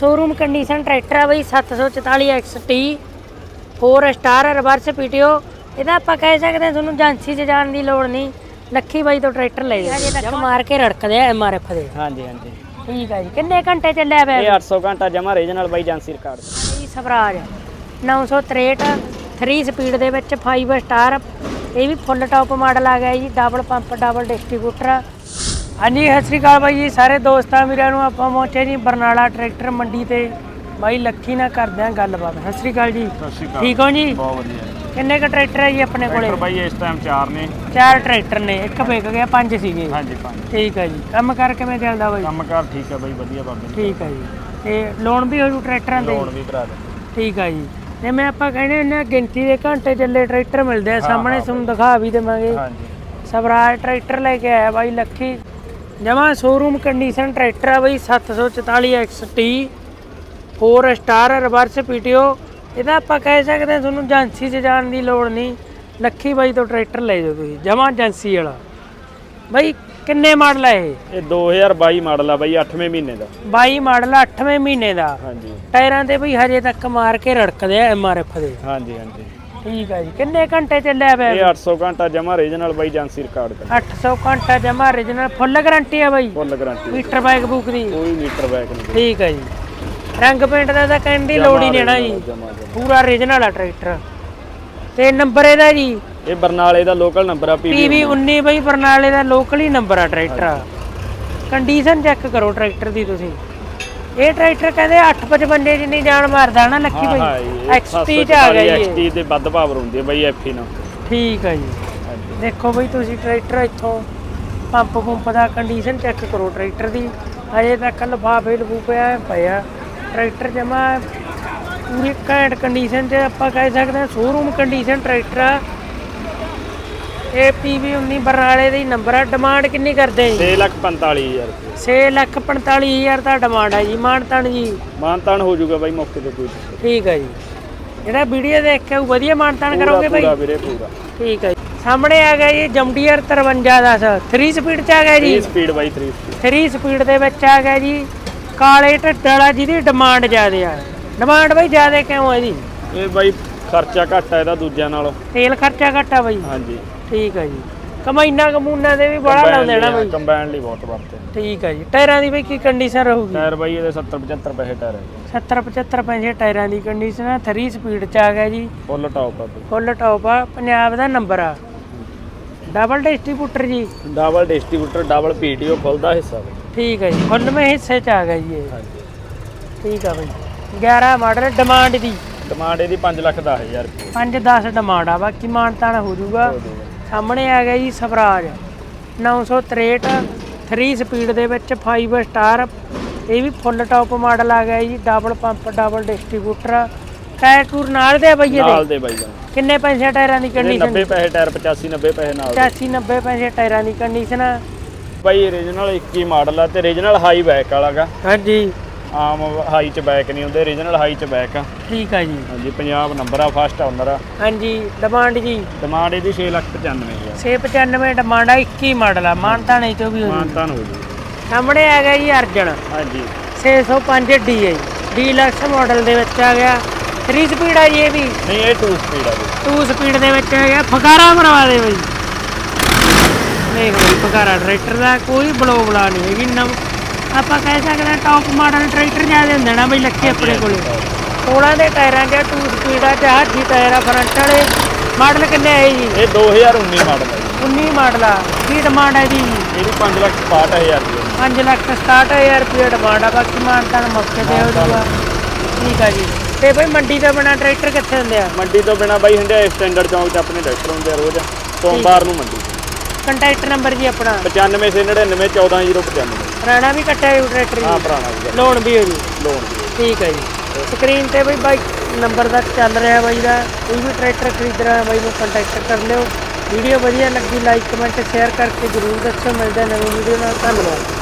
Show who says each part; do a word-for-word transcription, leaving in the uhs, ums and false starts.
Speaker 1: Showroom condition tractor है बई सत्त सौ चौताली X T four star reverse PTO. ਇਹਦਾ ਆਪਾਂ ਕਹਿ ਸਕਦੇ ਹਾਂ ਤੁਹਾਨੂੰ ਏਜੰਸੀ 'ਚ ਜਾਣ ਦੀ ਲੋੜ ਨਹੀਂ। ਲੱਖੀ ਬਾਈ ਤੋਂ ਟਰੈਕਟਰ ਲੈ ਜਾਓ। ਹਜੇ ਤੱਕ ਮਾਰ ਕੇ ਰੜਕਦੇ ਆ ਐਮ ਆਰ ਐਫ ਦੇ।
Speaker 2: ਹਾਂਜੀ ਹਾਂਜੀ
Speaker 1: ਠੀਕ ਹੈ ਜੀ। ਕਿੰਨੇ ਘੰਟੇ ਚੱਲਿਆ ਪਿਆ?
Speaker 2: ਇਹ ਅੱਠ ਸੌ ਘੰਟਾ ਜਮਾ ਰੀਜਨਲ ਬਾਈ ਏਜੰਸੀ ਰਿਕਾਰਡ
Speaker 1: ਜੀ। ਸਵਰਾਜ ਨੌ ਸੌ ਤਰੇਹਠ ਥਰੀ ਸਪੀਡ ਦੇ ਵਿੱਚ ਫਾਈਵ ਸਟਾਰ। ਇਹ ਵੀ ਫੁੱਲ ਟੌਪ ਮਾਡਲ ਆ ਗਿਆ ਜੀ। Double pump double distributor. ਹਾਂਜੀ ਸਤਿ ਸ਼੍ਰੀ ਅਕਾਲ ਬਾਈ ਜੀ ਸਾਰੇ ਦੋਸਤਾਂ ਵੀਰਾਂ ਨੂੰ। ਆਪਾਂ ਪਹੁੰਚੇ ਜੀ ਬਰਨਾਲਾ ਟਰੈਕਟਰ ਮੰਡੀ ਤੇ। ਬਾਈ ਲੱਖੀ ਨਾਲ ਕਰਦੇ ਆਂ ਗੱਲਬਾਤ। ਸਤਿ ਸ਼੍ਰੀ ਅਕਾਲ ਜੀ।
Speaker 2: ਸਤਿ ਸ਼੍ਰੀ ਅਕਾਲ।
Speaker 1: ਠੀਕ ਹੋ ਜੀ?
Speaker 2: ਬਹੁਤ ਵਧੀਆ।
Speaker 1: ਕਿੰਨੇ ਕ ਟਰੈਕਟਰ ਹੈ ਜੀ ਆਪਣੇ ਕੋਲੇ?
Speaker 2: ਬਾਈ ਇਸ ਟਾਈਮ ਚਾਰ ਨੇ।
Speaker 1: ਚਾਰ ਟਰੈਕਟਰ ਨੇ, ਇੱਕ ਵਿਕ ਗਿਆ, ਪੰਜ ਸੀਗੇ।
Speaker 2: ਹਾਂਜੀ ਪੰਜ।
Speaker 1: ਠੀਕ ਹੈ ਜੀ। ਕੰਮ ਕਰ ਕਿਵੇਂ ਚੱਲਦਾ ਬਾਈ?
Speaker 2: ਕੰਮ ਕਾਰ ਠੀਕ ਹੈ ਬਾਈ, ਵਧੀਆ ਬਾਬੇ।
Speaker 1: ਠੀਕ ਹੈ ਜੀ। ਤੇ ਲੋਨ ਵੀ ਹੋ ਜੂ ਟਰੈਕਟਰਾਂ ਤੇ?
Speaker 2: ਲੋਨ ਵੀ ਭਰਾ ਦੇ।
Speaker 1: ਠੀਕ ਹੈ ਜੀ। ਜਿਵੇਂ ਆਪਾਂ ਕਹਿੰਦੇ ਹੁੰਦੇ ਗਿਣਤੀ ਦੇ ਘੰਟੇ ਚੱਲੇ ਟਰੈਕਟਰ ਮਿਲਦੇ ਆ ਸਾਹਮਣੇ, ਤੁਹਾਨੂੰ ਦਿਖਾ ਵੀ ਦੇਵਾਂਗੇ।
Speaker 2: ਹਾਂਜੀ।
Speaker 1: ਸਵਰਾਜ ਟਰੈਕਟਰ ਲੈ ਕੇ ਆਇਆ ਬਾਈ ਲੱਖੀ। ਜਮਾ ਸ਼ੋਰੂਮ ਕੰਡੀਸ਼ਨ ਟਰੈਕਟਰ ਆ ਬਾਈ ਸੱਤ ਸੌ ਚੁਤਾਲੀ X T four star reverse PTO. ਇਹਦਾ ਆਪਾਂ ਕਹਿ ਸਕਦੇ ਹਾਂ ਤੁਹਾਨੂੰ ਏਜੰਸੀ 'ਚ ਜਾਣ ਦੀ ਲੋੜ ਨਹੀਂ। ਲੱਖੀ ਬਾਈ ਤੋਂ ਟਰੈਕਟਰ ਲੈ ਜਾਓ ਤੁਸੀਂ, ਜਮਾ ਏਜੰਸੀ ਵਾਲਾ। ਬਾਈ ਕਿੰਨੇ ਮਾਡਲ ਹੈ ਇਹ?
Speaker 2: ਇਹ ਦੋ ਹਜ਼ਾਰ ਬਾਈ ਮਾਡਲ ਆ ਬਾਈ, ਅੱਠਵੇਂ ਮਹੀਨੇ ਦਾ।
Speaker 1: ਬਾਈ ਮਾਡਲ ਅੱਠਵੇਂ ਮਹੀਨੇ ਦਾ।
Speaker 2: ਹਾਂਜੀ।
Speaker 1: ਟਾਇਰਾਂ ਤੇ ਬਈ ਹਜੇ ਤੱਕ ਮਾਰ ਕੇ ਰੜਕਦੇ ਆ ਐਮ ਆਰ ਐਫ ਦੇ।
Speaker 2: ਹਾਂਜੀ ਹਾਂਜੀ
Speaker 1: ਠੀਕ ਹੈ ਜੀ। ਕਿੰਨੇ ਘੰਟੇ ਚੱਲਿਆ ਪਿਆ?
Speaker 2: ਇਹ ਅੱਠ ਸੌ ਘੰਟਾ ਜਮਾ ਰੀਜਨਲ ਬਾਈ ਏਜੰਸੀ ਰਿਕਾਰਡ ਕਰ।
Speaker 1: ਅੱਠ ਸੌ ਘੰਟਾ ਜਮਾ ਓਰੀਜਨਲ ਫੁੱਲ ਗਾਰੰਟੀ ਆ ਬਾਈ?
Speaker 2: Full guarantee.
Speaker 1: Meter bike book ਦੀ?
Speaker 2: ਕੋਈ ਮੀਟਰ ਬਾਈਕ ਨਹੀਂ।
Speaker 1: ਠੀਕ ਹੈ ਜੀ। ਰੰਗ ਪੇਂਟ ਦਾ ਤਾਂ ਕਹਿਣ ਦੀ ਲੋੜ ਹੀ ਨਹੀਂ ਨਾ ਜੀ, ਪੂਰਾ ਓਰੀਜਨਲ ਆ ਟਰੈਕਟਰ। ਤੇ ਨੰਬਰ ਇਹਦਾ ਜੀ? ਇਹ
Speaker 2: ਬਰਨਾਲੇ ਦਾ ਲੋਕਲ ਨੰਬਰ ਆ,
Speaker 1: ਪੀ ਵੀ ਉੱਨੀ ਬਾਈ। ਬਰਨਾਲੇ ਦਾ ਲੋਕਲ ਹੀ ਨੰਬਰ ਆ ਟਰੈਕਟਰ। ਕੰਡੀਸ਼ਨ ਚੈੱਕ ਕਰੋ ਟਰੈਕਟਰ ਦੀ ਤੁਸੀਂ। ਇਹ ਟਰੈਕਟਰ ਕਹਿੰਦੇ ਅੱਠ ਪਚਵੰਜੇ ਜਿੰਨੀ ਜਾਨ ਮਾਰਦਾ ਨਾ ਲੱਖੀ ਬਾਈ। ਐਕਸ ਟੀ 'ਚ ਆ ਗਿਆ ਜੀ।
Speaker 2: ਐਕਸ ਟੀ ਤੇ ਵੱਧ ਪਾਵਰ ਹੁੰਦੀ ਹੈ ਬਾਈ ਐਫ ਈ ਨਾਲ।
Speaker 1: ਠੀਕ ਹੈ ਜੀ। ਦੇਖੋ ਬਾਈ ਤੁਸੀਂ ਟਰੈਕਟਰ ਇੱਥੋਂ ਪੰਪ ਪੰਪ ਦਾ ਕੰਡੀਸ਼ਨ ਚੈੱਕ ਕਰੋ ਟਰੈਕਟਰ ਦੀ। ਅਜੇ ਤੱਕ ਲਿਫਾਫੇ ਲਫੂਫੇ ਪਏ ਆ। ਟਰੈਕਟਰ ਜਮਾ ਪੂਰੀ ਘੈਂਟ ਕੰਡੀਸ਼ਨ 'ਚ ਆਪਾਂ ਕਹਿ ਸਕਦੇ ਹਾਂ ਸ਼ੋਰੂਮ ਕੰਡੀਸ਼ਨ ਟਰੈਕਟਰ ਆ। ਇਹ ਪੀ ਵੀ ਉੱਨੀ ਬਰਨਾਲੇ ਦਾ ਹੀ ਨੰਬਰ ਆ। ਡਿਮਾਂਡ ਕਿੰਨੀ ਕਰਦੇ ਜੀ?
Speaker 2: ਛੇ ਲੱਖ ਪੰਤਾਲੀ ਹਜ਼ਾਰ ਰੁਪਏ।
Speaker 1: ਛੇ ਲੱਖ ਪੰਤਾਲੀ ਹਜ਼ਾਰ ਦਾ ਡਿਮਾਂਡ ਹੈ ਜੀ। ਮਾਨਤਾਨ ਜੀ?
Speaker 2: ਮਾਨਤਾਨ ਹੋ ਜਾਊਗਾ ਬਾਈ ਮੌਕੇ ਤੇ ਕੋਈ।
Speaker 1: ਠੀਕ ਹੈ ਜੀ। ਜਿਹੜਾ ਵੀਡੀਓ ਦੇਖ ਕੇ ਵਧੀਆ ਮਾਨਤਾਨ ਕਰੋਗੇ ਬਾਈ?
Speaker 2: ਪੂਰਾ ਵੀਰੇ ਪੂਰਾ।
Speaker 1: ਠੀਕ ਹੈ ਜੀ। ਸਾਹਮਣੇ ਆ ਗਿਆ ਜੀ ਜੰਡੀਅਰ ਤਰਵੰਜਾ ਦਸ ਥਰੀ ਸਪੀਡ 'ਚ ਆ ਗਿਆ ਜੀ।
Speaker 2: ਥਰੀ ਸਪੀਡ ਬਾਈ, ਥਰੀ ਸਪੀਡ।
Speaker 1: ਥਰੀ ਸਪੀਡ ਦੇ ਵਿੱਚ ਆ ਗਿਆ ਜੀ। ਕਾਲੇ ਢੱਡ ਵਾਲਾ ਜਿਹਦੀ ਡਿਮਾਂਡ ਜ਼ਿਆਦੇ ਆ। ਡਿਮਾਂਡ ਬਾਈ ਜ਼ਿਆਦੇ ਕਿਉਂ ਹੈ ਜੀ?
Speaker 2: ਇਹ ਬਾਈ ਖਰਚਾ ਘੱਟ ਆ ਇਹਦਾ ਦੂਜਿਆਂ ਨਾਲੋਂ।
Speaker 1: ਤੇਲ ਖਰਚਾ ਘੱਟ ਆ ਬਾਈ?
Speaker 2: ਹਾਂਜੀ।
Speaker 1: ਠੀਕ ਹੈ ਜੀ। ਕਮਾਈਨਾ ਕਮੂਨਾ ਦੇ ਵੀ ਬੜਾ ਲਾਉਂਦੇ ਨਾ ਬਾਈ?
Speaker 2: ਕੰਬਾਈਨ ਲਈ ਬਹੁਤ ਵਰਤੇ।
Speaker 1: ਠੀਕ ਹੈ ਜੀ। ਟਾਇਰਾਂ ਦੀ ਬਾਈ ਕੀ ਕੰਡੀਸ਼ਨ ਰਹੂਗੀ?
Speaker 2: ਟਾਇਰ ਬਾਈ ਇਹਦੇ ਸੱਤਰ ਪਚੱਤਰ ਪੈਸੇ ਟਾਇਰ ਹੈ।
Speaker 1: ਸੱਤਰ ਪਚੱਤਰ ਪੈਸੇ ਟਾਇਰਾਂ ਦੀ ਕੰਡੀਸ਼ਨ ਆ। ਥਰੀ ਸਪੀਡ 'ਚ ਆ ਗਿਆ ਜੀ।
Speaker 2: ਫੁੱਲ ਟੌਪ ਆ।
Speaker 1: ਫੁੱਲ ਟੌਪ ਆ। ਪੰਜਾਬ ਦਾ ਨੰਬਰ ਆ। ਡਬਲ ਡਿਸਟ੍ਰੀਬਿਊਟਰ ਜੀ?
Speaker 2: Double distributor double PTO full ਦਾ ਹਿੱਸਾ ਬਾਈ।
Speaker 1: ਠੀਕ ਹੈ ਜੀ। ਖੁੱਲਵੇਂ ਹਿੱਸੇ 'ਚ ਆ ਗਿਆ ਜੀ ਇਹ।
Speaker 2: ਹਾਂਜੀ।
Speaker 1: ਠੀਕ ਆ ਬਾਈ। ਗਿਆਰਾਂ ਮਾਡਲ। ਡਿਮਾਂਡ ਦੀ?
Speaker 2: ਡਿਮਾਂਡ ਇਹਦੀ ਪੰਜ ਲੱਖ ਦਸ ਹਜ਼ਾਰ ਰੁਪਏ।
Speaker 1: ਪੰਜ ਦਸ ਡਿਮਾਂਡ ਆ। ਬਾਕੀ ਮਾਨਤਾਨ ਹੋ ਜਾਊਗਾ। ਸਾਹਮਣੇ ਆ ਗਿਆ ਜੀ ਸਵਰਾਜ ਨੌ ਸੌ ਤਰੇਹਠ ਥਰੀ ਸਪੀਡ ਦੇ ਵਿੱਚ ਫਾਈਵ ਸਟਾਰ। ਇਹ ਵੀ ਫੁੱਲ ਟੌਪ ਮਾਡਲ ਆ ਗਿਆ ਜੀ। Double pump double distributor. Tyre ਟੂਰ ਨਾਲ ਦੇ ਬਾਈ ਇਹਦੇ? ਨਾਲ
Speaker 2: ਦੇ ਬਾਈ।
Speaker 1: ਕਿੰਨੇ ਪੈਸੇ ਟਾਇਰਾਂ ਦੀ ਕੰਡੀਸ਼ਨ?
Speaker 2: ਨੱਬੇ ਪੈਸੇ ਟਾਇਰ, ਪਚਾਸੀ ਨੱਬੇ ਪੈਸੇ ਨਾਲ।
Speaker 1: ਪਚਾਸੀ ਨੱਬੇ ਪੈਸੇ ਟਾਇਰਾਂ ਦੀ ਕੰਡੀਸ਼ਨ ਆ
Speaker 2: ਬਾਈ। ਓਰੀਜਨਲ ਇੱਕੀ ਮਾਡਲ ਆ ਤੇ ਓਰੀਜਨਲ ਹਾਈ ਬੈਕ ਵਾਲਾ ਗਾ।
Speaker 1: ਹਾਂਜੀ।
Speaker 2: ਆਮ ਹਾਈ ਚ ਬੈਕ ਨਹੀਂ ਹੁੰਦੇ, ਓਰੀਜਨਲ ਹਾਈ ਚ ਬੈਕ ਆ।
Speaker 1: ਠੀਕ ਆ ਜੀ।
Speaker 2: ਹਾਂਜੀ। ਪੰਜਾਬ ਨੰਬਰ ਆ, ਫਸਟ ਓਨਰ ਆ।
Speaker 1: ਹਾਂਜੀ। ਡਿਮਾਂਡ ਜੀ?
Speaker 2: ਡਿਮਾਂਡ ਇਹਦੀ ਛੇ ਲੱਖ ਪਚਾਨਵੇਂ ਹਜ਼ਾਰ।
Speaker 1: ਛੇ ਪਚਾਨਵੇਂ ਡਿਮਾਂਡ ਆ। ਇੱਕੀ ਮਾਡਲ ਆ। ਮਾਨਤਾਨ ਚੋਂ ਵੀ ਹੋ
Speaker 2: ਮਾਨਤਾਨ ਹੋ ਜੂ।
Speaker 1: ਸਾਹਮਣੇ ਆ ਗਿਆ ਜੀ ਅਰਜਨ।
Speaker 2: ਹਾਂਜੀ।
Speaker 1: ਛੇ ਸੌ ਪੰਜ ਡੀ ਹੈ ਜੀ। ਡੀਲਕਸ ਮਾਡਲ ਦੇ ਵਿੱਚ ਆ ਗਿਆ। ਥਰੀ ਸਪੀਡ ਆ ਜੀ ਇਹ ਵੀ?
Speaker 2: ਨਹੀਂ, ਇਹ ਟੂ ਸਪੀਡ ਆ।
Speaker 1: ਟੂ ਸਪੀਡ ਦੇ ਵਿੱਚ ਆ ਗਿਆ। ਫਕਾਰਾ ਮਰਵਾ ਦੇ ਬਾਈ। ਦੇਖ ਬਾਈ ਫਕਾਰਾ ਟਰੈਕਟਰ ਦਾ ਕੋਈ ਬਲੋ ਬਲਾ ਨਹੀਂ ਹੈਗੀ। ਨਵ ਆਪਾਂ ਕਹਿ ਸਕਦੇ ਹਾਂ ਟੌਪ ਮਾਡਲ ਟਰੈਕਟਰ ਜ਼ਿਆਦਾ ਹੁੰਦੇ ਨਾ ਬਾਈ ਲੱਖੀ ਆਪਣੇ ਕੋਲੇ। ਸੋਲਾਂ ਦੇ ਟਾਇਰਾਂ 'ਚ ਟੂ ਸਪੀਡ ਆ। ਹਾਥੀ ਟਾਇਰ ਆ ਫਰੰਟ ਵਾਲੇ। ਮਾਡਲ ਕਿੰਨੇ ਹੈ ਜੀ? ਇਹ
Speaker 2: ਦੋ ਹਜ਼ਾਰ ਉੱਨੀ ਮਾਡਲ ਹੈ।
Speaker 1: ਉੱਨੀ ਮਾਡਲ ਆ। ਕੀ ਡਿਮਾਂਡ ਹੈ ਜੀ?
Speaker 2: ਇਹਦੀ ਪੰਜ ਲੱਖ ਸਤਾਹਠ ਹਜ਼ਾਰ ਰੁਪਏ।
Speaker 1: ਪੰਜ ਲੱਖ ਸਤਾਹਠ ਹਜ਼ਾਰ ਰੁਪਏ ਡਿਮਾਂਡ ਆ। ਬਾਕੀ ਮਾਨਤਾਨ ਮੌਕੇ ਤੇ ਹੋ ਜਾਊਗਾ। ਠੀਕ ਆ ਜੀ। ਤੇ ਬਾਈ ਮੰਡੀ ਤੋਂ ਬਿਨਾਂ ਟਰੈਕਟਰ ਕਿੱਥੇ ਹੁੰਦੇ ਆ?
Speaker 2: ਮੰਡੀ ਤੋਂ ਬਿਨਾਂ ਬਾਈ ਹੁੰਦੇ ਸਟੈਂਡਰਡ ਚੌਂਕ 'ਚ ਆਪਣੇ ਟਰੈਕਟਰ ਹੁੰਦੇ ਆ ਰੋਜ਼। ਸੋਮਵਾਰ ਨੂੰ ਮੰਡੀ।
Speaker 1: ਕੰਟੈਕਟ ਨੰਬਰ ਜੀ ਆਪਣਾ?
Speaker 2: ਪਚਾਨਵੇਂ ਛੇ ਨੜਿਨਵੇਂ ਚੌਦਾਂ ਜ਼ੀਰੋ ਪਚਾਨਵੇਂ।
Speaker 1: ਪੁਰਾਣਾ ਵੀ ਕੱਟਿਆ ਜੀ ਟਰੈਕਟਰ?
Speaker 2: ਹਾਂ ਪੁਰਾਣਾ ਵੀ।
Speaker 1: ਲੋਨ ਵੀ ਹੋ ਜੀ?
Speaker 2: ਲੋਨ ਵੀ।
Speaker 1: ਠੀਕ ਹੈ ਜੀ। ਸਕਰੀਨ ਤੇ ਬਾਈ ਬਾਈ ਨੰਬਰ ਦਾ ਚੱਲ ਰਿਹਾ ਬਾਈ ਦਾ। ਕੋਈ ਵੀ ਟਰੈਕਟਰ ਖਰੀਦਣਾ ਬਾਈ ਨੂੰ ਕੰਟੈਕਟ ਕਰ ਲਿਓ। ਵੀਡੀਓ ਵਧੀਆ ਲੱਗੀ ਲਾਈਕ ਕਮੈਂਟ ਸ਼ੇਅਰ ਕਰਕੇ ਜ਼ਰੂਰ ਦੱਸੋ। ਮਿਲਦੇ ਨਵੀਂ ਵੀਡੀਓ ਨਾਲ। ਧੰਨਵਾਦ।